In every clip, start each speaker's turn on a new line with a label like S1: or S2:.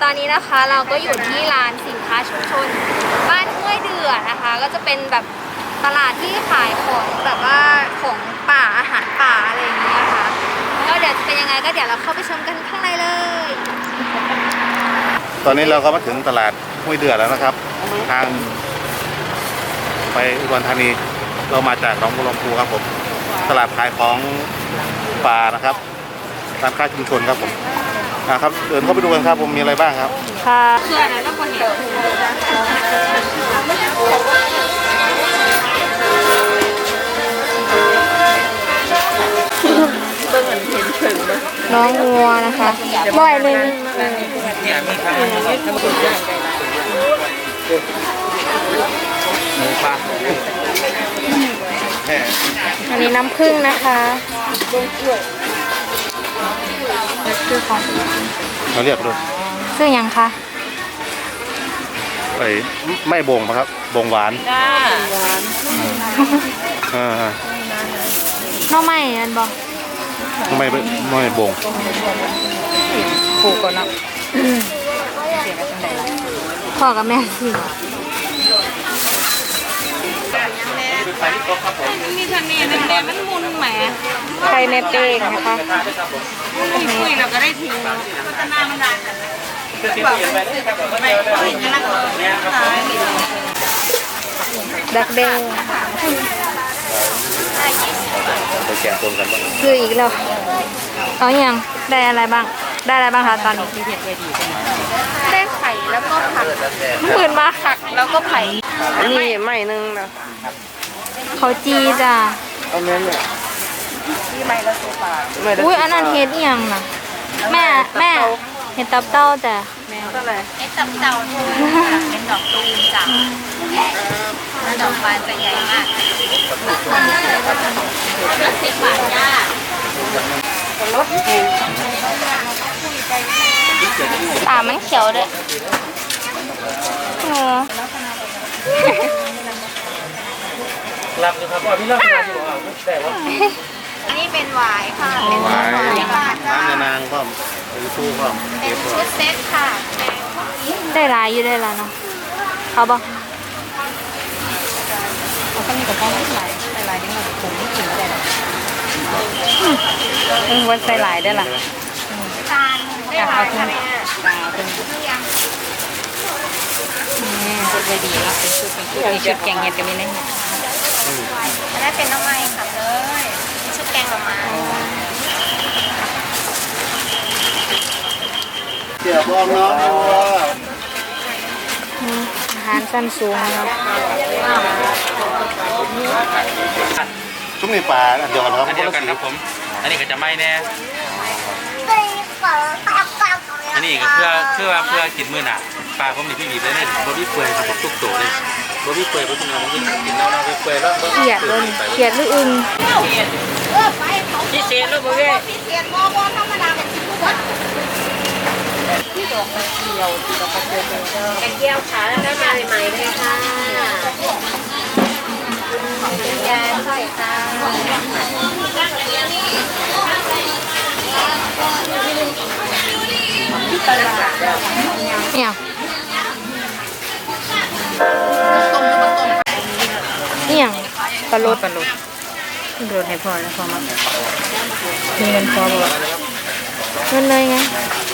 S1: ตอนนี้นะคะเราก็อยู่ที่ร้านสินค้าชุมชนบ้านห้วยเดือนะคะ ก็จะเป็นแบบตลาดที่ขายของแบบว่าของป่าอาหารป่าอะไรอย่างเงี้ยค่ะก็เดี๋ยวจะเป็นยังไงก็เดี๋ยวเราเข้าไปชมกันข้างในเลย
S2: ตอนนี้เราก็มาถึงตลาดห้วยเดือแล้วนะครับ ทางไปอุดรธานีเรามาจากหนองบัวลำพูครับผมตลาดขายของป่านะครับร้านค้าชุมชนครับผมนะครับเดินเข้าไปดูกันครับผมมีอะไรบ้างครับ
S1: ค่ะเพื่อนแล้วก็เห็นน้องงัวนะคะบ่อยเลยอันนี้น้ำผึ้งนะคะคือของ
S2: เราเรียกดู
S1: ซึ่งยังคะ
S2: ไอ้ไม่บ่งปะครับบ่งหวาน
S3: จ้า
S2: อ่า
S1: น้องใหม่อันบอก
S2: ไม่บ่ง
S3: ปลูกก่อนนะ
S1: พ่อกับแม่สิ
S3: มีคะแนนแดงมันมุนแหม
S1: ไข่แม่เป้งนะคะ
S3: คุยเราก็ได้ทิ้งพัฒนามันได้ไม่จะรักขาย
S1: ดักแดง
S2: ไปแกะตัวกันบ้าง
S1: คืออีกแล้วเอาอย่างได้อะไรบ้าง ได้อะไรบ้างคะตอนนี้ได้ไข่แล้วก็ผักหมื่นมาผักแล้วก็ไผ่
S3: นี่ไม่นึงนะ
S1: เขาจีจ้ะ
S3: เอาเนื้อเนี่ยที่ไม่ละสิบบาท
S1: อุ้ยอันนั้นเฮ็ดอีหยังน่ะแม่เฮ็ดตับเต้าจ้ะ
S3: แมวก็เลย
S4: ไอ้ตับเต่าเป็นดอกตูมจ้ะแล้วดอกบานจะใหญ่มาก10 บาทจ้า
S1: ตามันเขียวด้วยหนู
S5: รับดูครับว่าพี่เล่ามาอยู่แต่ว่า
S4: อันนี้เป็นหวายค่ะ เป็น
S2: หวาย
S4: บาทจ้า
S2: น้ำยานางพร้อมหรือตู้พร้อม
S4: เป็นชุดเซ็ตค่ะ
S1: ได้หลายอยู่ได้แล้วเนาะเอาบ่
S3: เขาก็มีกับป้องหลายหลายนิดหน่อยผมไม่กินได้หรอกวันใส่หลายได้ล่ะ
S4: จานได้หวายค่ะแม่
S3: ตาเป็นนี่ชุดเลยดีแล้วเป็นชุดมีชุดแกงเห็ดกับมีนั่น
S4: อันนั้นเป็นน้ำไม้ค่ะเลยเป็นชุดแกงหน่อไม้
S2: เกี่ยวบ้องเนาะ
S1: อาหารสั้นสูงนะครับ
S2: ชุ่มในป่าเดียวกันครับ
S5: อันเดียวกันครับผม อันนี้ก็จะไม่แน่ อันนี้ก็เพื่อกินมื้อหน่ะปลาผมนี่พี่บีบเลยเนี่ยบอบบี้เปื่อยครับผมทุกตัวเลยบอบบี้เปื่อยเพราะฉะนั้นผมกินแล้วเราเปื่อยแล้ว
S1: เขียดเลยเขียดหรืออึง
S3: พิเศษลูกเว้ย
S4: พิเศษบอธรรมดาเป็นชุดวัด
S3: กระเจียวขาแล้วก็มาใหม่ๆเลยค่ะ
S4: ยาใส่ค่ะ
S1: เนี่ยเนี่ยปลาโลด
S3: ปลาลูกโดนให้พอแล้วพอมามีเงินพอบ่
S1: เงินเลยไง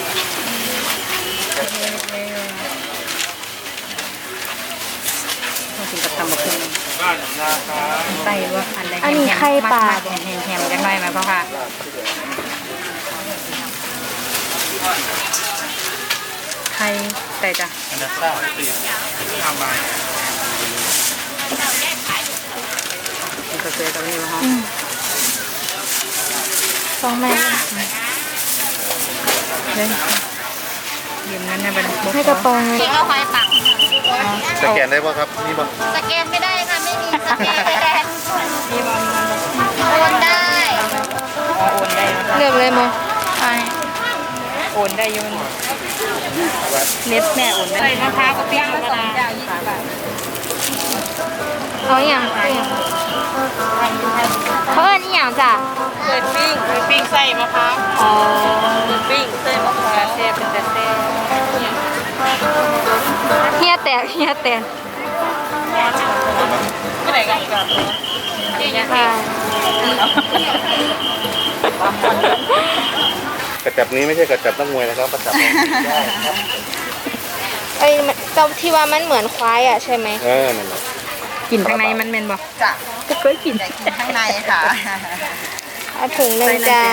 S3: ต้องกินกับตำบักหุ่งไต้ว่าอันใดแฮมแฮมจังไรไหมพ่อค่ะไข่ไต่จ้ะ
S5: อันนั้นซ่าทำมา
S3: มันก็เกิดตรงนี้ว่า
S1: สองแม่
S3: เลยยืมนั้นนะเป็น
S1: ให้กระโปรงเลย
S4: เก่งเอาควายปัก
S2: สแกนได้ป่ะครับนี่ป่ะ
S4: สแกนไม่ได้ค่ะ ไม่มีสแกน
S3: มีบอล
S4: โอนได้
S3: โอนได้
S1: เลือกเลยโม
S3: โอนได้ยุ่นเน็ตแม่โอนได้มะพร้าวกับปิ้งมะนาว
S1: เอาอย่างเอาอย่างเขาเอิ้นอีหยังจ้ะ
S3: เปิดปิ้งใส่มะพร้าว
S1: อ๋อ
S3: ปิ้งใส่มะพร้าวเซ่เป็นแต่เซ่
S1: กเฮียแตน
S3: เมื่อไหร่กันกับ
S1: ค่ะ
S2: กระจับนี้ไม่ใช่กระจับนักมวยนะครับกระจับได้ครับ
S1: ไอ้เจ้าที่ว่ามันเหมือนควายอ่ะใช่ไหม
S2: นั่นแหละ
S3: กลิ่นข้างในมันเป็นบ่
S4: จ้ะ
S3: ก็เคยกิน
S4: แต่กินข้างในค่ะ
S1: เอาถุงหนึ่งจ้า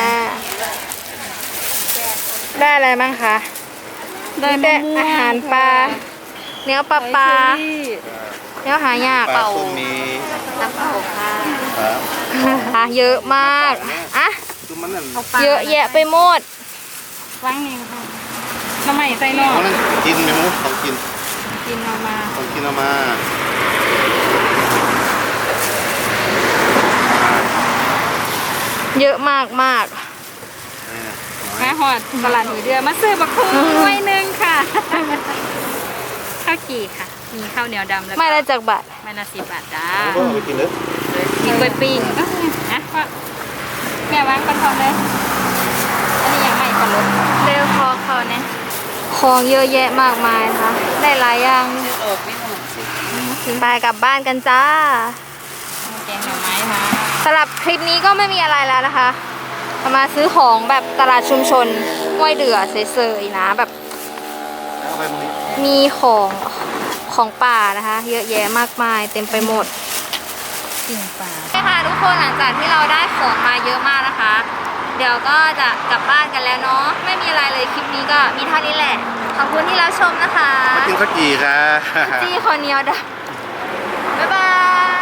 S1: ได้อะไรบ้างคะ
S3: ได้
S1: มีแต่อาหารปลาเนื้อปลาปลาเนื้อหายาก
S2: ปลาส้มมี
S1: น้ำเปล่าค่ะ
S2: ครับ
S1: เยอะมากอ่ะ
S2: คือมันนั่น
S1: เยอะแยะไปหมด
S3: ว่างนี่ค่ะน้ำใหม่ใส่นอก
S2: เขานั่นกินไหมมุ้งต้องกิน
S3: กินออกมา
S2: ต้องกินเอามา
S1: เยอะมากมาก
S3: มาหอดตลาดหัวเดือมาซื้อบักคุ้งไว้หนึ่งค่ะ ข้าวจี่ค่ะ มีข้าวเหนียวดำแล้วก็
S1: ไม่ละจากบาท
S3: ไม่ละ10 บาทจ้า
S2: ก็เอาไปกินเลย
S3: มีกล้วยปิ้งนะก็แม่วางกันทองเลย อันนี้ยังไม่ปลารส
S1: เร็วพอเขาเนี่ยของเยอะแยะมากมายนะคะได้หลายอย่าง
S3: เออไม่หมด
S1: ไปกลับบ้านกันจ้า
S3: แกงหน่อไม้มา
S1: สำหรับคลิปนี้ก็ไม่มีอะไรแล้วนะคะมาซื้อของแบบตลาดชุมชนห้วยเดือเฉยๆนะแบบ
S2: เอาไปมุ้ง
S1: มีของป่านะคะ เยอะแยะมากมายเต็มไปหมด
S3: ปิ่งปลา
S1: ใช่ค่ะทุกคนหลังจากที่เราได้ของมาเยอะมากนะคะ เดี๋ยวก็จะกลับบ้านกันแล้วเนาะไม่มีอะไรเลยคลิปนี้ก็มีเท่านี้แหละขอบคุณที่รับชมนะคะ
S2: กินข้าวจี่ครับ
S1: จี้คนเหนียวดำบ๊ายบาย